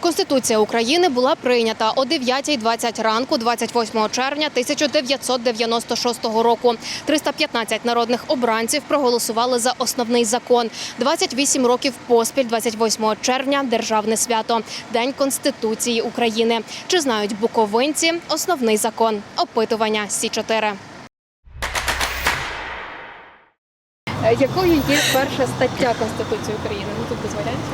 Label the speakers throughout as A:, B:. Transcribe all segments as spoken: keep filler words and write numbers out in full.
A: Конституція України була прийнята о дев'ятій двадцять ранку двадцять восьмого червня тисяча дев'ятсот дев'яносто шостого року. триста п'ятнадцять народних обранців проголосували за основний закон. двадцять вісім років поспіль двадцять восьмого червня – державне свято – День Конституції України. Чи знають буковинці основний закон? Опитування Сі чотири. Якою є перша стаття Конституції України? Ну, тут без варіантів.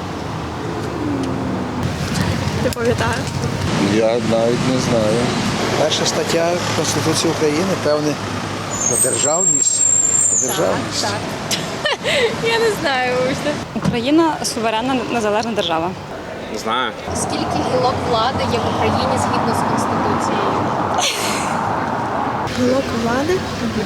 B: Не пам'ятаю.
C: Я навіть не знаю.
D: Перша стаття Конституції України, певне, про державність. Про державність.
A: Так, так. Я не знаю.
B: Україна суверенна незалежна держава.
E: Не знаю.
A: Скільки гілок влади є в Україні згідно з Конституцією?
F: Гілок влади?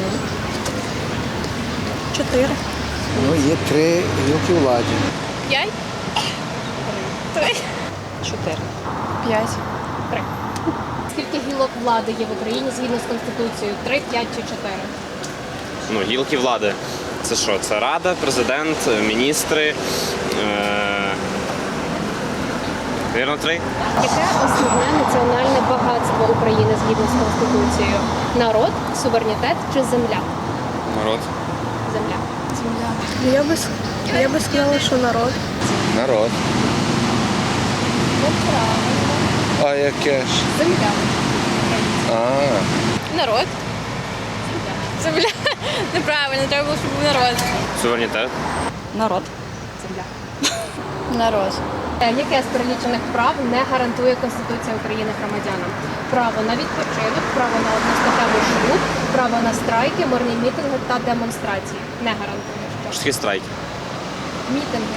F: Чотири.
D: Ну, є три гілки влади.
A: П'ять? Три.
B: Чотири.
F: П'ять.
A: Три. Скільки гілок влади є в Україні згідно з Конституцією? Три, п'ять чи чотири?
E: Ну, гілки влади. Це що? Це Рада, президент, міністри. Е... Вірно, три?
A: Яке основне національне багатство України згідно з Конституцією? Народ, суверенітет чи земля?
E: Народ.
A: Земля.
F: Ну, Я би, с- я би сказала, що народ.
C: Народ. А яке ж?
A: Земля.
C: А,
G: Народ. Земля. Неправильно, треба було, щоб був народ.
E: Суверенітет.
B: Народ.
A: Земля.
G: Народ.
A: Е, Яке з перелічених прав не гарантує Конституція України громадянам? Право на відпочинок, право на одностатевий шлюб, право на страйки, мирні мітинги та демонстрації. Не гарантує.
E: Що таке страйк?
A: Мітинги.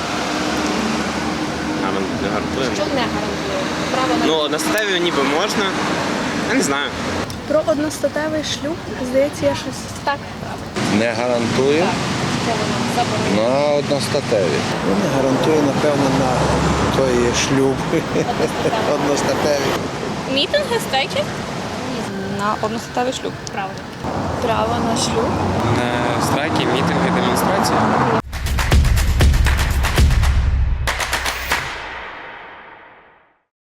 E: А, нам не гарантуємо.
A: Що не гарантує? Право на
E: Ну, на статеві ніби можна. Я не знаю.
F: Про одностатевий шлюб, здається, я щось.
A: так.
C: не гарантує
A: Що воно заборонено?
C: на одностатеві.
D: Вони гарантує, напевно, на той шлюб одностатевий.
G: Мітинги, страйки?
B: На одностатевий шлюб.
A: Право.
G: Право на шлюб.
H: На страйки, мітинги, демонстрації.
A: Ні,